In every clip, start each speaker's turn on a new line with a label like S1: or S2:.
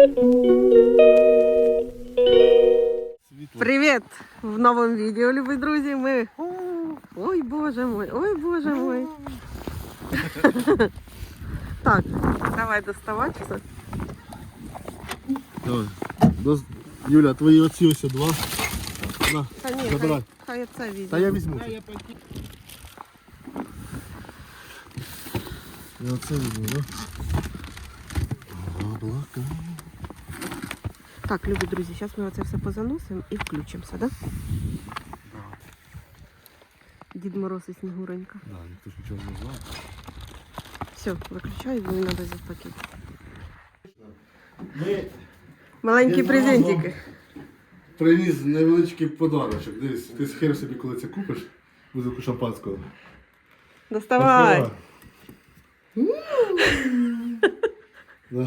S1: Привет! В новом видео, любые друзья, мы... Ой, боже мой, ой, боже мой. Так, давай доставать все.
S2: Давай. Юля, твої оці ось два. На,
S1: Та ні,
S2: забирай.
S1: хай це візьме.
S2: Та я візьму. Я оце візьму, да? Облака.
S1: Так, любі друзі, зараз ми оце все позаносимо і включимося, да? Дід Мороз і Снігуренька.
S2: Да, ніхто ж нічого не знає.
S1: Все, виключаю, бо мені треба взяти пакет.
S2: Ми
S1: Маленькі
S2: Дід
S1: презентики.
S2: приніс невеличкий подарочок. Дивись, ти схер собі, коли це купиш, бутилку шампанського.
S1: Доставай!
S2: Да.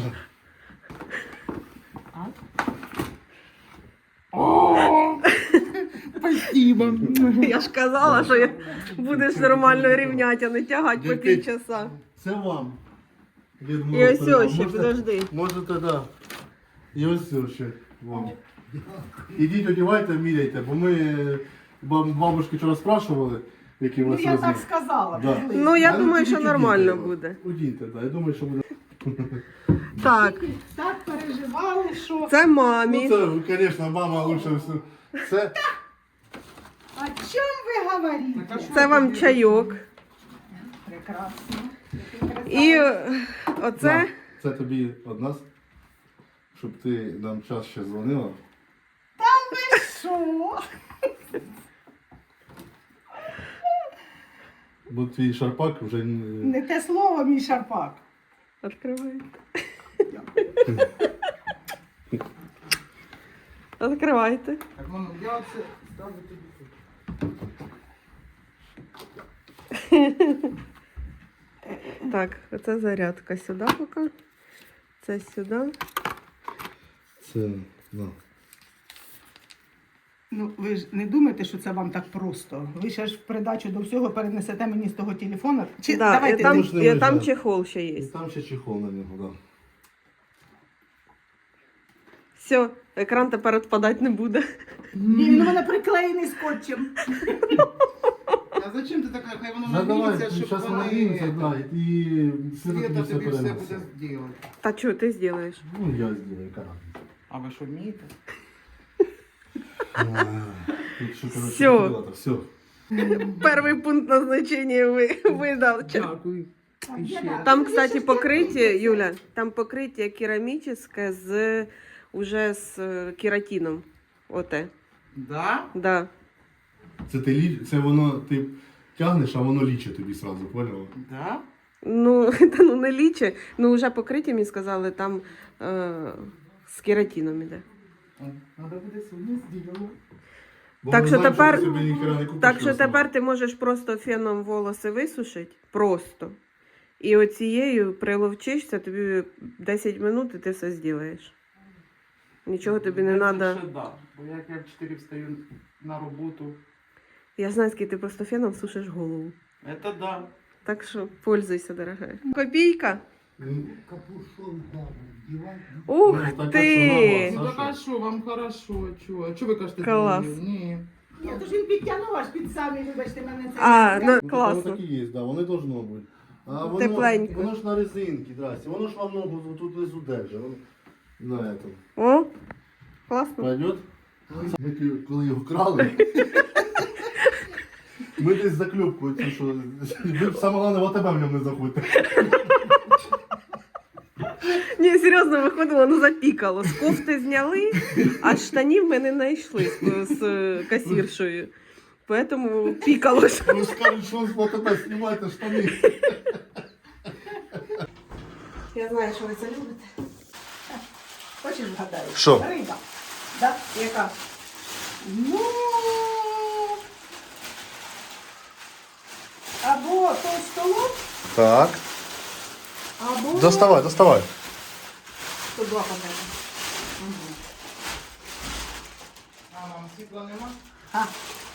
S3: Спасибо.
S1: Я ж казала, що будеш нормально рівняти, а не тягати по півчаса.
S2: Це вам. Дід
S1: І
S2: Мороз
S1: ось
S2: передав.
S1: ось ще, підожди.
S2: Можете, да. І ось ще вам. Ідіть, одягайте, міряйте, бо ми бабушки вчора спрашували, які у
S3: Ну
S2: вас
S3: я так
S2: розмір.
S3: сказала.
S2: Да.
S3: приблизно.
S1: Ну, я
S2: А
S1: думаю, що
S2: ідіть,
S1: нормально
S2: ідіть.
S1: буде.
S2: Удійте, так. Я думаю, що буде.
S1: Так,
S3: Так переживали, що...
S1: це
S2: Ну
S1: мамі.
S2: це, звісно, мама лучше все. Це
S3: О чем ви говорите?
S1: Це вам чайок.
S3: Прекрасно.
S1: І оце
S2: на, це тобі від нас, щоб ти нам час ще дзвонила.
S3: Що?
S2: Бо твій шарпак вже
S3: Не те слово, мій шарпак.
S1: відкривай. Відкривайте.
S4: Так, мамо, я оце ставлю тобі тут.
S1: Так, оце зарядка сюди поки. Це сюди.
S2: це, на.
S3: Ну, ви ж не думаєте, що це вам так просто. Ви ще ж в придачу до всього перенесете мені з того телефона. Чи
S1: Да,
S3: давайте
S1: і там,
S2: Можеш не
S1: і там
S2: виїжджати.
S1: чехол ще
S2: І
S1: є.
S2: там ще чехол на нього, так.
S1: Все, екран тепер відпадати не буде.
S3: Ні, він у мене приклеєний скотчем.
S4: А зачем ти така? Хай воно
S2: Да, давай,
S4: нагріється, щоб
S2: зараз
S4: вони...
S2: нагріється, да, і світло тобі
S4: Світа
S2: все
S4: тобі все
S2: перенесе.
S4: буде зробити.
S1: Та що ти зробиш?
S2: Ну, я зроблю, яка разниця.
S4: А ви що вмієте?
S2: Тут що, коротше,
S1: Всьо.
S2: ділата, все.
S1: Перший пункт назначення видав.
S4: Дякую. І ще.
S1: Там, кстати, покриття, Юля, там покриття керамічне з уже з кератином. Оте.
S4: Да?
S1: Да.
S2: Це воно, ти тягнеш, а воно лічить тобі сразу, поняла?
S4: Да?
S1: Ну, та ну не ліче. Ну, вже покриття, мені сказали, там з кератином іде.
S4: Надо буде сьогодні зробити.
S2: Бо
S1: Так
S2: ми
S1: що
S2: знаємо,
S1: тепер-
S2: ти собі ніхера не купиш
S1: Так що
S2: його сама.
S1: тепер ти можеш просто феном волоси висушити. Просто. І оцією приловчишся, тобі 10 минут і ти все зробиш. Нічого тобі не треба.
S4: Ще да. Бо як я в 4 встаю на роботу.
S1: Я знаю, скільки ти просто феном сушиш голову.
S4: Это да.
S1: Так що пользуйся, дорогая. Копійка.
S5: Капюшон там вдівати.
S1: Ух
S2: Ну, так,
S1: ти!
S2: що
S4: Ну
S2: Саша?
S4: так а що, вам хорошо, чого? А чого ви кажете?
S1: Клас.
S4: Ні.
S3: Ні, то ж він підтягнув аж під самі, вибачте мене це.
S1: А, ну
S2: Ну,
S1: класно.
S2: Воно так і є, да, вони должно бути. А воно,
S1: Тепленько.
S2: воно ж на резинці, здрасте. Воно ж вам ногу тут внизу держить. Воно на этом.
S1: О, класно.
S2: Пойдет? Ми коли його крали, ми десь закльопку цю, що ви саме головне в АТБ в ньому не заходьте.
S1: Ні, серйозно виходило, ну запікало. З кофти зняли, а штанів ми не знайшли з касіршою. Поэтому пікалось.
S2: Ви скажуть, що з АТБ знімаєте штани.
S1: Я знаю, що ви це любите.
S3: Хочеш вгадаю?
S2: Що?
S3: Риба. Да?
S1: Яка?
S3: Ну... Або толстолоб,
S2: Так.
S3: або...
S2: Доставай.
S3: Тут два пакети.
S4: А вам світла нема?
S3: А.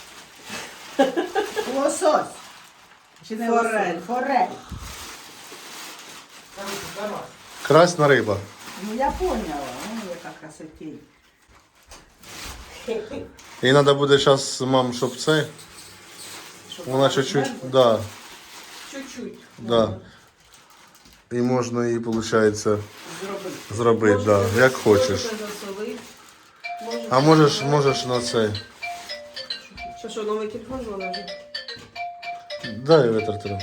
S3: Лосось. Чи не
S1: Форель.
S3: лосось? Форель.
S4: Короче, давай.
S2: Красна риба.
S3: Ну я поняла. красотей.
S2: І треба буде зараз, мам, щоб це, вона чуть-чуть, да,
S1: Чуть-чуть.
S2: да. І можна її, виходить,
S1: Зробити.
S2: зробити, да, як хочеш.
S1: Засолити.
S2: А можеш на це.
S1: Що, новий телефон заложив?
S2: Дай витрати.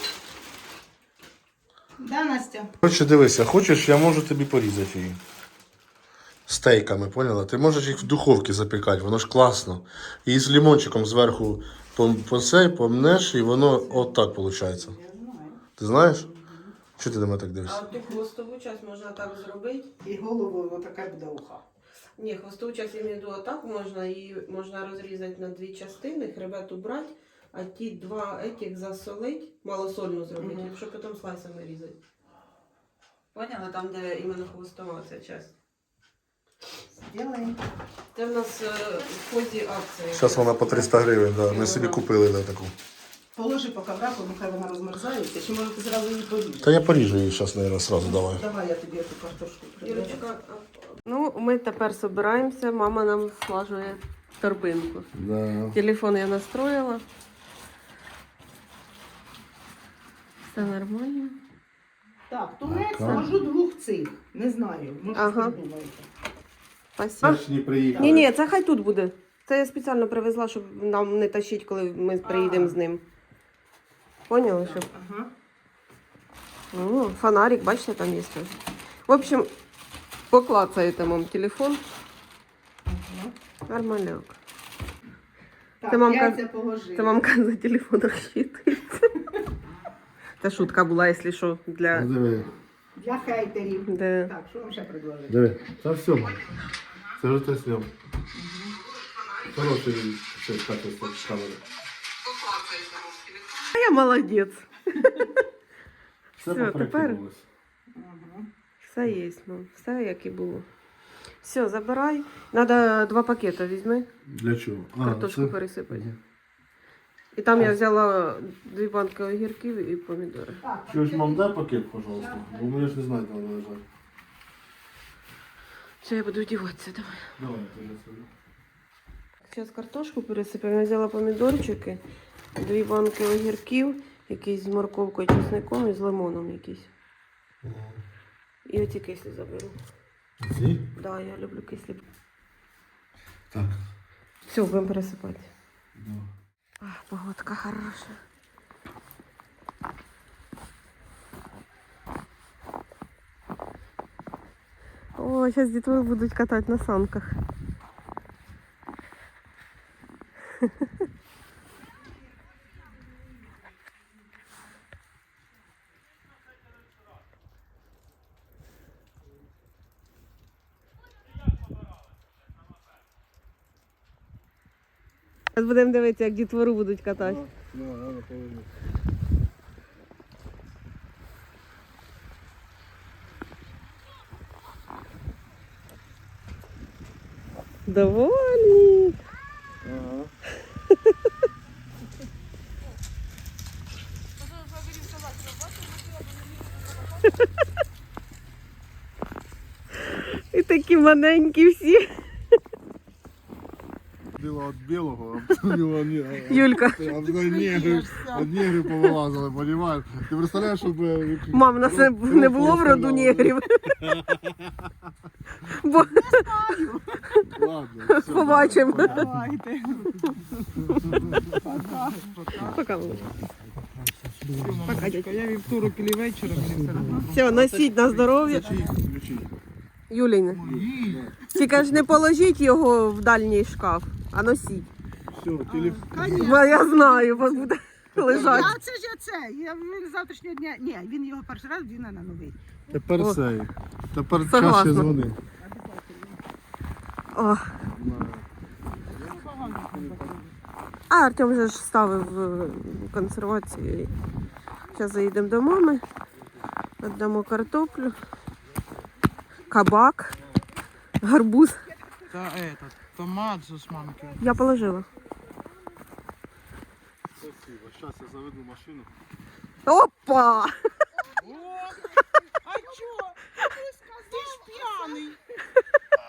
S3: Да, Настя?
S2: Короче, дивися, хочеш, я можу тобі порізати її. Стейками, поняла? Ти можеш їх в духовці запікати, воно ж класно. І з лимончиком зверху помнеш, і воно отак виходить.
S3: Я знаю.
S2: Ти знаєш? Чого ти до мене так
S1: А
S2: дивишся?
S1: ти хвостову часть можна так зробити?
S3: І головою отака буде уха.
S1: Ні, хвостову часть я маю в виду отак можна, її можна розрізати на дві частини, хребет убрати, а ті два етіх засолить, малосольну зробити, щоб потім слайсами різати. Поняла? Там, де іменно хвостова ця часть.
S3: Сделаем.
S1: Це в нас в ході акції.
S2: Зараз вона по 300 гривень, да. Ми собі купили да, таку.
S3: Положи поки в раку, нехай вона розмерзається, чи може ти зразу її поріжеш?
S2: Та я поріжу її зараз, мабуть, сразу давай.
S3: Давай я тобі цю картошку приберу.
S1: Ірочка, ну, ми тепер збираємося, мама нам слажує торбинку.
S2: Да.
S1: Телефон я настроила. Все нормально.
S3: Так, тунець
S2: Ага.
S3: можу двох цих. Не знаю, може
S1: Ага.
S3: придумаєте.
S1: Спасибо.
S2: не приїхали.
S1: Ні, це хай тут буде. Це я спеціально привезла, щоб нам не тащити, коли ми приїдемо з ним. Поняли, щоб.
S3: Ага.
S1: Ну, фонарик, бачите, там є теж. В общем, поклацаєте мам телефон.
S3: Ага.
S1: Нормальок.
S3: Так,
S1: Це мамка-
S3: яйця положили.
S1: Це мамка за телефон розчитується. Це шутка була, якщо що, для.
S2: Диви,
S3: Для хейтерів.
S1: Де...
S3: Так, що вам ще предложити?
S2: диви. Та все, мам. Це вже ти зняв. Хороший качество камери.
S1: А я молодець.
S2: Все
S1: Все,
S2: попроектувалось.
S3: Ага.
S1: Все є, ну, все як і було. Все, забирай. Надо 2 пакети візьми,
S2: Для чого?
S1: картошку
S2: це-
S1: пересипати. І там я взяла 2 банки огірків і помідори.
S3: Так,
S2: Чуєш, мам, дай пакет, пожалуйста. Бо ми ж не знаємо, де воно лежать.
S1: Все, я буду вдіватися, давай.
S2: Давай, я тобі собі.
S1: Зараз картошку пересипаємо. Я взяла помідорчики, 2 банки огірків, якісь з морковкою, чесником і з лимоном якийсь. І оці кислі заберу.
S2: Ці?
S1: Да, я люблю кислі.
S2: Так.
S1: Все, будемо пересипати.
S2: Да.
S1: Ах, погодка хороша. О, зараз дітей будуть катати на санках. Зараз будемо дивитися, як дітвору будуть катати. Довольні. І такі маленькі всі.
S2: Біло від білого, а біло ні.
S1: Юлька.
S2: От негри повилазили, розумієш? Ти представляєш, щоб...
S1: Мам, у нас не було в роду негрів. Бо
S2: Ладно, все.
S1: побачимо.
S3: давайте.
S1: Пока, мамочка. Пока, дядька.
S4: Я вівторок і вечором мені все одно.
S1: Все, носіть на здоров'я.
S2: Ключі.
S1: Юліне. Тільки ж не положіть його в дальній шкаф, а носіть.
S2: Все, телефон.
S1: Бо я знаю, бо буде лежати.
S3: А це ж це. Він завтрашнього дня. Ні, він його перший раз вдіне на новий.
S2: Тепер
S1: О.
S2: цей. Тепер
S1: Согласна.
S2: чаще дзвони.
S1: О. А Артем вже ж ставив консервацію. Зараз заїдемо до мами, віддамо картоплю, кабак, гарбуз.
S4: Та этот, томат же з мамки.
S1: Я положила.
S2: Спасибо. Зараз я заведу машину.
S1: Опа!
S4: А чо? Ти ж п'яний.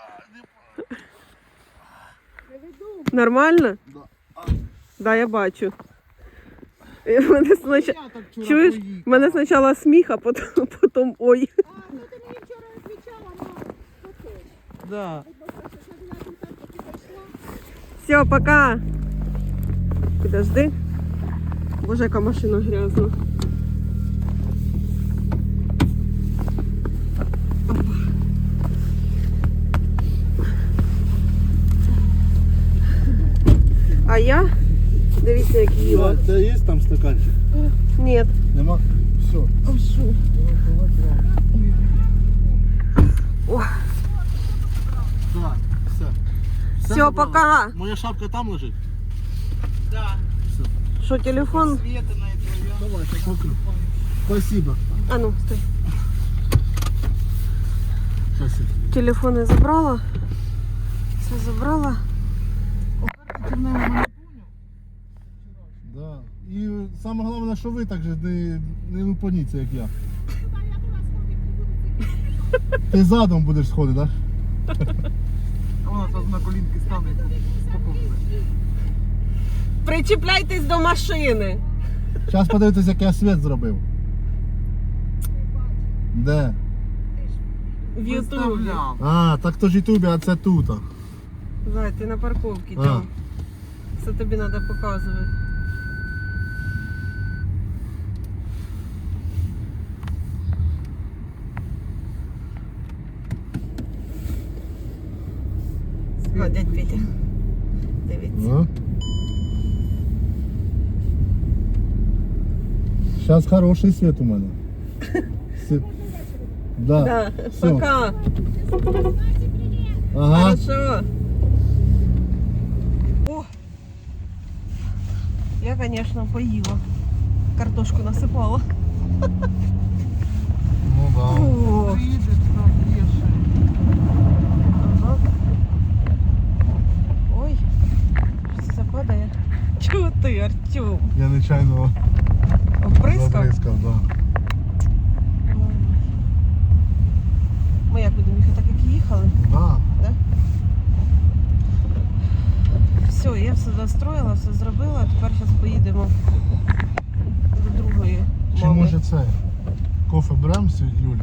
S1: Нормально?
S2: Да.
S1: Да, я бачу. І мене спочатку...
S4: Я так вчора
S1: Чуєш?
S4: поїхала.
S1: У мене спочатку сміх, а потім ой.
S4: Да.
S1: Все, пока. Подожди. Боже, яка машина грязна. Опа. А я? Дивіться, як їла.
S2: У тебе є там стаканчик?
S1: Ні.
S2: Нема? Все.
S1: О,
S2: Так, все.
S1: все, пока.
S2: Моя шапка там лежить?
S4: Да.
S1: Що, телефон?
S4: Света на это.
S2: Давай, покру. Спасибо.
S1: А ну, стой.
S2: Сейчас я.
S1: Телефони забрала. Все забрала.
S2: Да. І саме головне, що ви так же не лупаніться, як я. Ти задом будеш сходити, так?
S4: А вона там на колінки стане.
S1: Причіпляйтесь до машини.
S2: Зараз подивитись, як я світ зробив. Де?
S1: В Ютубі.
S4: Виставляв.
S2: А, так то ж Ютубі, а це тут.
S1: Зай, ти на парковці,
S2: А.
S1: там. Це тобі треба показувати. А, дядь Петя. Дивіться.
S2: Зараз хороший світ у мене. Да.
S1: Да,
S2: Все.
S1: пока.
S2: Ага.
S1: Хорошо. О, я, конечно, поїла. Картошку насипала.
S2: Ну да.
S1: О,
S4: Приїде, там п'єше.
S1: ага. Ой, що це падає? Чого ти, Артем?
S2: Я нечайно
S1: Оприскав?
S2: забризкав, да.
S1: Ми як будемо їхати, так як їхали?
S2: Да.
S1: Да? Все, я все застроїла, все зробила, тепер зараз поїдемо до другої
S2: Чи
S1: мами.
S2: може це? Кофе беремо з Юлі?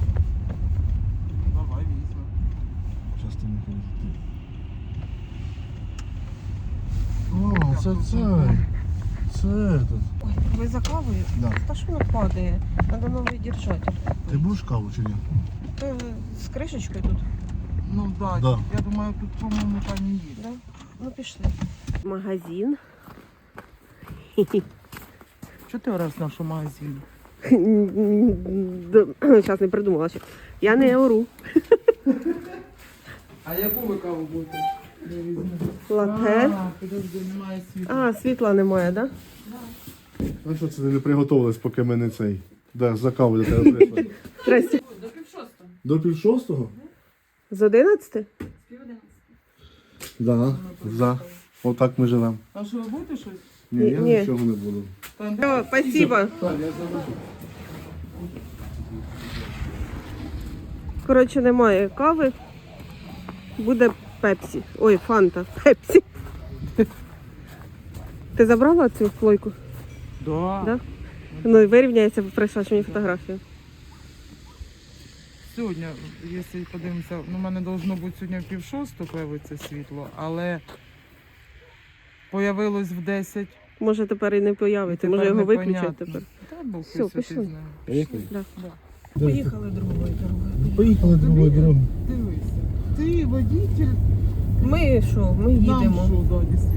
S4: Давай, візьмемо.
S2: Зараз ти не ходиш. О, це це. Це тут.
S1: Ой, ви за кавою?
S2: Да.
S1: Та що воно падає? Треба новий держатель.
S2: Ти будеш каву чи ні?
S1: Ти з кришечкою тут?
S4: Ну да,
S2: Да.
S4: я думаю, тут, по-моєму, там і є.
S1: Да? Ну пішли. Магазин.
S4: Чого ти раз нашу магазин?
S1: Зараз не придумала ще. Я не ору.
S4: А яку ви каву будете? Я візьму.
S1: Лате.
S4: А, підожди, немає світла.
S1: А, світла немає, так? Да?
S2: А що це не приготувались, поки ми не цей? Да, за каву до тебе прийшли.
S1: Здрасте.
S2: До 5:30?
S1: З 11?
S2: Да, за. Отак ми живемо.
S4: А що, ви будете щось?
S2: Ні, я
S1: Ні.
S2: нічого не буду.
S4: Там
S1: Все, спасибо.
S2: Так, я забуду.
S1: Коротше, немає кави. Буде пепсі. Ой, фанта. Пепсі. Ти забрала цю плойку?
S4: Да.
S1: Да? Ну і вирівняється, прийшла мені фотографію.
S4: Сьогодні, якщо подивимося, ну, в мене должно бути сьогодні в 5:30 появиться світло, але появилось в 10.
S1: Може тепер і не появиться,
S4: Тепер
S1: може його
S4: непонятно.
S1: виключать тепер.
S4: Та Бог
S1: Все,
S4: святий
S1: пішли.
S4: знає.
S2: Поїхали?
S1: Да.
S4: Да.
S1: Поїхали другою дорогою.
S2: Поїхали другою дорогою.
S4: Дивися. Ти водитель,
S1: Ми що, ми
S4: нам
S1: їдемо.
S4: що, да, дійсно.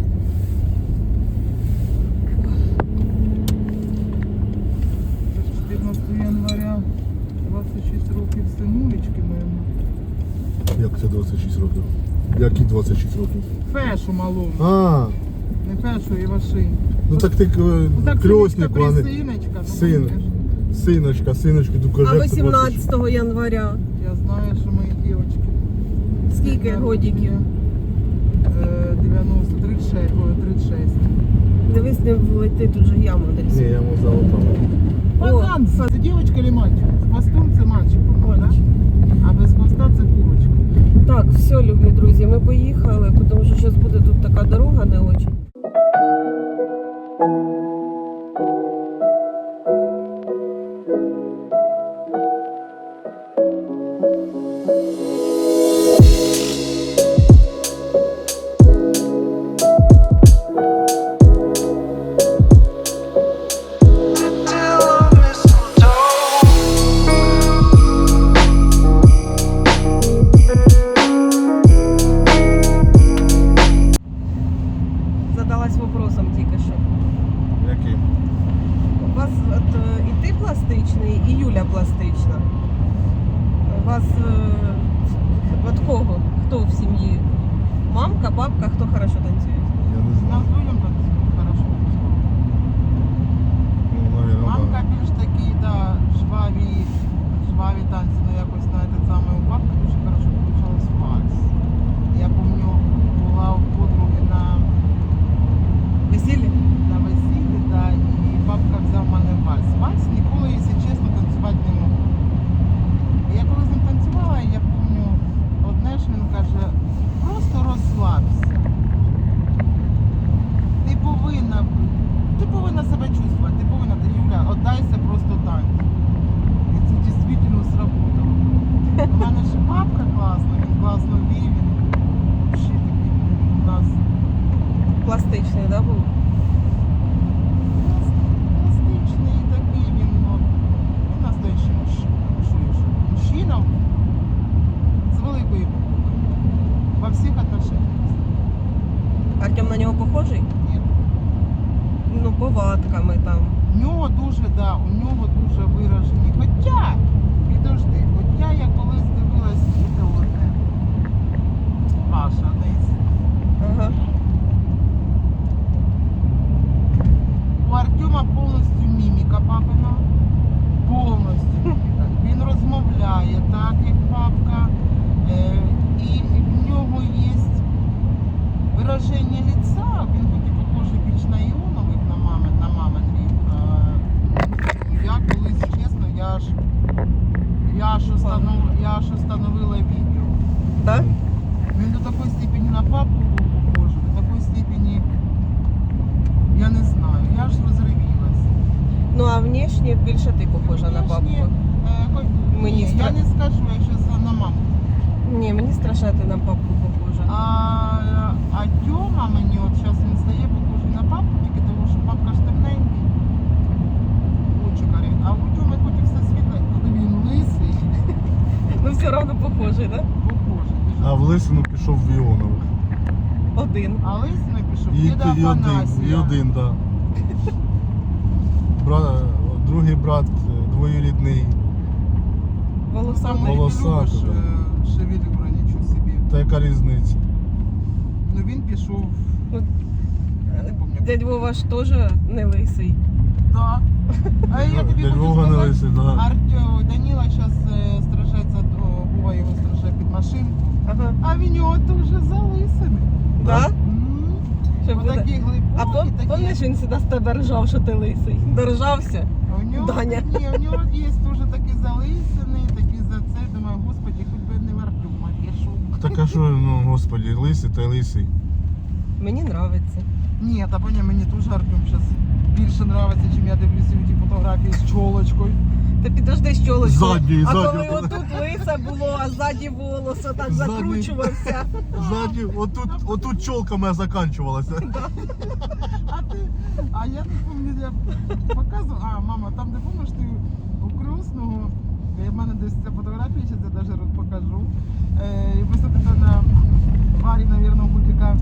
S4: Це ж 14 января, 26 років синулечки моєму.
S2: Як це 26 років? Які 26 років?
S4: Фешу малому,
S2: А,
S4: не фешу, Івашинь.
S2: ну так ти
S4: Ну, так
S2: крьоснику, а не
S4: синочка, ну,
S2: син. Синочку, до
S1: А
S2: кожетку
S1: 18 января.
S4: Я знаю, що мої дівчатки.
S1: Скільки годиків?
S4: 90, 36, ой, 36.
S1: Дивись, не влети, тут же яма десь.
S2: Ні, я йому залопав.
S4: Фазан, це дівчинка чи мальчик? З хвостом це мальчик, по-моєму, да? А без хвоста це курочка.
S1: Так, все, любі друзі, ми поїхали, тому що зараз буде тут така а дорога не очень. Задалась вопросом тільки що.
S2: Який?
S1: У вас от, і ти пластичний, і Юля пластична. У вас от кого? Хто в сім'ї? Мамка, бабка, хто хорошо танцює?
S2: Я не
S4: Нас
S2: знаю.
S4: людям так хорошо танцювали.
S2: Ну, наверное,
S4: Мамка більш такі, да, жваві танці, ну якось знаєте, саме у бабки дуже хорошо получалось вальс. Я пам'ятаю, була у подруги
S1: Весілля?
S4: на весіллі, да, і бабка взяв мене вальс. Вальс ніколи, якщо чесно, танцювати не можу. І я коли з ним танцювала, я пам'ятаю, одне ж він каже, просто розслабся. Ти повинна себе чувствувати, ти повинна, Юля, отдайся просто танцю. І це дійсно сработало. У мене ж бабка класна, він класно вів, він взагалі такий у нас
S1: Пластичний, да, був?
S4: пластичний такий, він настоящий мужчина з великої букви. Во всіх отношениях.
S1: Артем на нього похожий?
S4: Ні.
S1: Ну, повадками там.
S4: У нього дуже виражені. Хоча, підожди, я колись дивилась відео одне. Ваша десь.
S1: Ага.
S4: У Артема повністю міміка папина. Повністю міміка. Він розмовляє так, як папка. І в нього є вираження лиця. Він хоч і похожий більш на Іонових, на мамин рік. Я колись, чесно, я аж установила відео.
S1: Так?
S4: Він до такої степені на папку був похожий, до такої степені, я не знаю, я ж розривілась.
S1: Ну, а внешне більше ти похожа на бабку. Мені
S4: Я
S1: стра-
S4: не скажу, якщо на маму.
S1: Ні, мені страшно, ти на бабку похожа.
S4: А Тьома мені, от зараз він стає похожий на папу, тільки тому, що папка ж темненький. Очі карі. А у Тьоми хоч і все світле, коли він лисий,
S1: Ну, все одно похожий, так?
S4: похожий.
S2: А в Лисину пішов в Іонових.
S1: Да? Один.
S4: А лисий пішов,
S2: І
S4: діда Афанасія.
S2: один, так. Другий брат двоюрідний.
S1: Волосатий.
S4: Саме
S2: Волосатий,
S4: любиш
S2: да.
S4: шевелюра, нічого собі.
S2: Та яка різниця?
S4: Ну він пішов,
S1: Ну,
S4: не пам'ятаю.
S1: Дядь Вова ж теж не лисий.
S4: Да. А я тобі
S2: Дядь
S4: хочу
S2: Вова не
S4: сказати,
S2: лисий, да.
S4: Даніла зараз стражається, Вова його стражає під машинку,
S1: Ага.
S4: а він його теж залисаний.
S1: Да? Що буде?
S4: Отакі
S1: А
S4: глибокі, такі.
S1: помниш, він завжди з тебе ржав, що ти лисий? Доржався?
S4: А у нього,
S1: Даня?
S4: Ні, у нього є теж такі залисані, такі за це. Думаю, господи, хоч би не в Артема пішов.
S2: Так а що, ну господі, лисий та лисий.
S1: Мені подобається.
S4: Ні, та поня, мені теж Артем зараз більше подобається, чим я дивлюся у ті фотографії з чолочкою.
S1: Та підожди з чолочкою.
S2: Ззаді,
S1: А
S2: ззаді.
S1: коли отут лиса було, а ззаді волосся так
S2: Ззаді.
S1: закручувався.
S2: Ззаді, отут чолка моя заканчувалася.
S4: А я не пам'ятаю, я показувала, мама, там де помниш ти у Крусного, в мене десь ця фотографія, зараз я навіть покажу. І висадити на Варі, мабуть, годика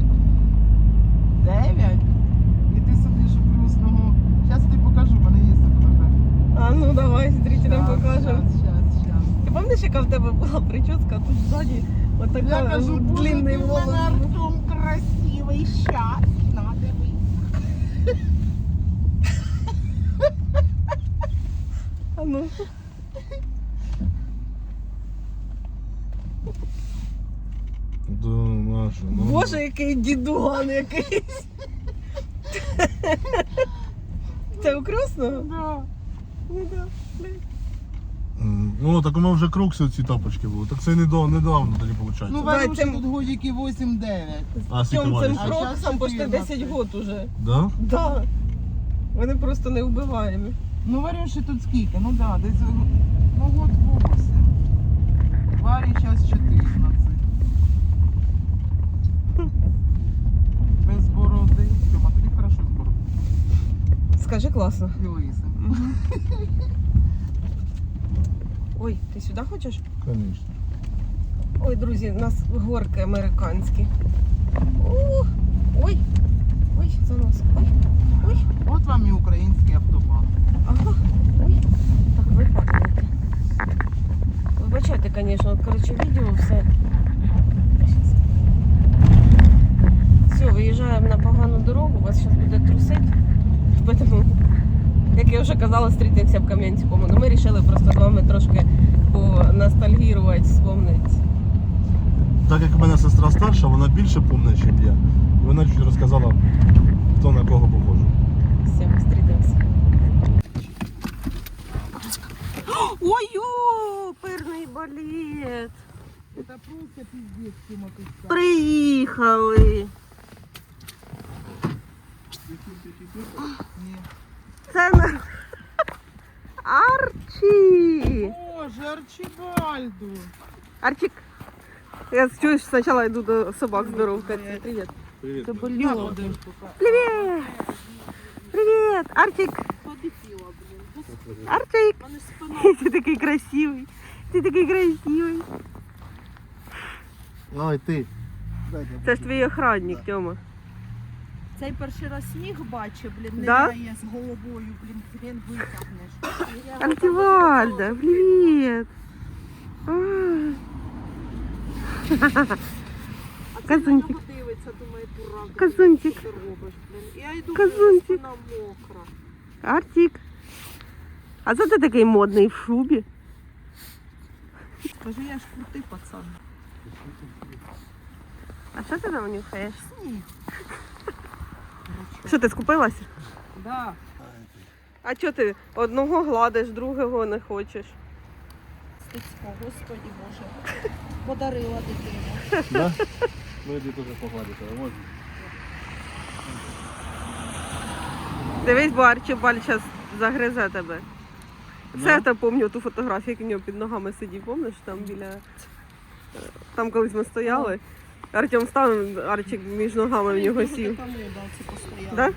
S4: 9, і ти сидиш у Крусного. Зараз тобі покажу, в мене є ця фотографія.
S1: А ну давай, зрителям
S4: Щас,
S1: покажемо.
S4: щас.
S1: Ти пам'ятаєш, яка в тебе була прическа, тут ззаді
S4: Я
S1: отака
S4: кажу, боже, ти
S1: длинний
S4: в мене
S1: волос.
S4: Артем красивий, щас, на дивись.
S1: А ну.
S2: Да, Маша, ну.
S1: Боже, який дідуган якийсь. Це у Красного?
S4: Да.
S1: Ну да.
S2: Ну, так у мене вже крукси ці тапочки були. Так це недавно тоді виходить.
S4: Ну,
S1: Давай,
S4: Варюші
S1: цим-
S4: тут годики 8-9.
S2: А скільки
S1: Цим
S2: вариш?
S4: А
S1: кроксам
S4: щас
S1: почти 10
S4: 14.
S1: год уже.
S2: Да?
S1: Да. Вони просто не вбиваємо.
S4: Ну, Варюші тут скільки? Ну да, десь ну, год 8. Варі зараз 14. Без бороди. Тьома, тобі хорошо з бороди.
S1: Скажи класно.
S4: І лисим.
S1: Ой, ти сюди хочеш?
S2: Звісно.
S1: Ой, друзі, у нас горки американські. О, ой, ой, занос. Ой, ой,
S4: От вам і український автобан.
S1: ага, ой. Так, випадки. Вибачайте, звісно, коротше, відео все. Все, виїжджаємо на погану дорогу, вас зараз буде трусити. Тому, як я вже казала, зустрітимося в Кам'янському. Ну, ми вирішили просто з вами трошки поностальгірувати, вспомнити.
S2: Так як в мене сестра старша, вона більше пам'ятає, ніж я. І вона чуть розказала, хто на кого похожий.
S1: Все, зустрітимося. Ой, оперний балет!
S4: Це просто пиздец, Тьома, тут став.
S1: Приїхали!
S4: Ні.
S1: Це на... Арчі!
S4: Боже, Арчибальду.
S1: Арчик, я чуєш, спочатку йду до собак здоровкатися. Привіт.
S2: Привіт.
S1: Це
S4: Я
S1: боліло.
S4: один.
S1: Привіт! Привіт! Арчик! Арчик! Ти такий красивий. Ти такий красивий.
S2: Ой, ти.
S1: Це ж твій охранник, Тьома.
S6: Цей перший раз сніг бачив, блін, не
S1: Да?
S6: грає з головою, блін, хрен витягнеш.
S1: Антивальда, привіт! Казунчик.
S6: Дивиться, думає, дурак.
S1: Казунчик.
S6: Що ти робиш, блін? Я йду,
S1: Казунчик.
S6: блін, спина мокра.
S1: Артик. А це ти такий модний в шубі?
S6: Кажу, я ж крутий пацан.
S1: А що ти там нюхаєш?
S6: Сніг.
S1: Що ти скупилася?
S6: Да.
S1: А чого ти одного гладиш, другого не хочеш?
S6: Стецько, господі Боже. Подарила дитину.
S2: Да? Ну іди теж погладити, а можна?
S1: Дивись, бо Арчибаль зараз загризе тебе. Це я те пам'ятаю ту фотографію, як у нього під ногами сидів, пам'ятаєш, там біля... Там колись ми стояли. Артем став, Арчик між ногами в нього сів.
S6: Така мода, це постоянно.
S1: Да?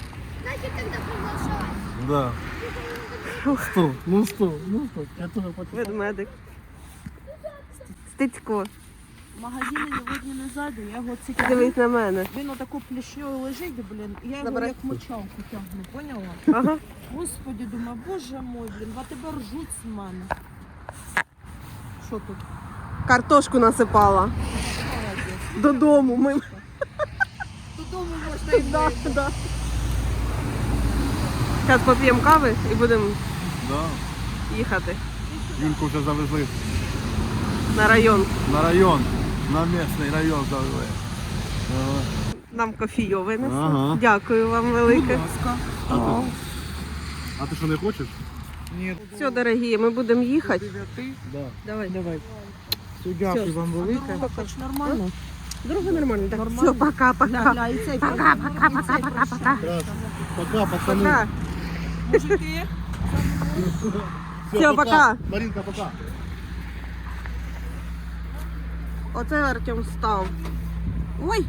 S2: Да. Стоп, ну стоп, ну стоп. Я теж хочу.
S1: Ведмедик. Стецько,
S6: В магазині не видно не ззаду, я його цікавлю.
S1: дивись на мене.
S6: Він отако плішньою лежить, блін, і я його
S1: Забирай.
S6: як мочалку тягну, поняла?
S1: Ага.
S6: Господи, думаю, боже мой, блін, а тебе ржуть з мене. Що тут?
S1: Картошку насипала.
S6: Молодець.
S1: Додому ми.
S6: Додому можна і
S1: Да, да. Зараз поп'ємо кави і будемо
S2: Да.
S1: їхати
S2: Юльку вже завезли
S1: на район.
S2: на район, на місний район завезли. Ага.
S1: Нам кофійовий несуть.
S2: Ага.
S1: Дякую вам велике.
S2: А ти що не хочеш?
S4: Ні.
S1: Все, дорогі, ми будемо їхати.
S4: 9.
S2: Да.
S1: Давай.
S4: Давай. Все, дякую вам велике.
S6: Дорога хоч нормально?
S1: Дорога нормальна. Так,
S6: Нормально.
S1: все, пока-пока.
S6: Гля, і цей пока.
S2: Пока, пацани.
S1: Пока.
S6: Мужики,
S1: Все, пока.
S2: Маринка, пока.
S1: Оце Артем став. Ой!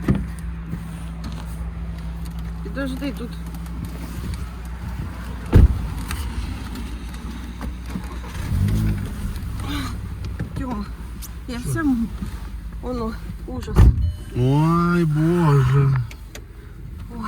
S1: Підожди тут. Тьома, я вся воно, ужас.
S2: Ой, боже.
S1: Ой.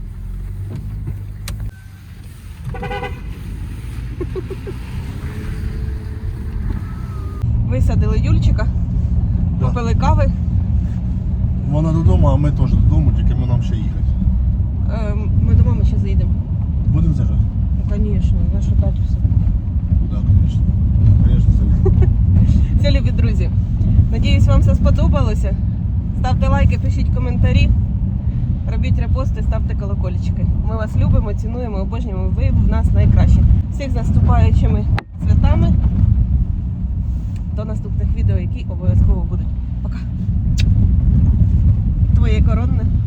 S1: Висадили Юльчика,
S2: Да.
S1: купили кави.
S2: Вона додому, а ми теж додому, тільки ми нам ще їхати.
S1: Ми до мами ще заїдемо.
S2: Будемо заїжджати?
S1: Ну, звісно, нашу тату все.
S2: Так, звісно. Звісно, заїдемо.
S1: Все, любі друзі. Надіюсь, вам все сподобалося. Ставте лайки, пишіть коментарі, робіть репости, ставте колокольчики. Ми вас любимо, цінуємо, обожнюємо. Ви в нас найкращі. Всіх з наступаючими
S7: святами. До наступних відео, які обов'язково будуть. Пока. Твоє коронне.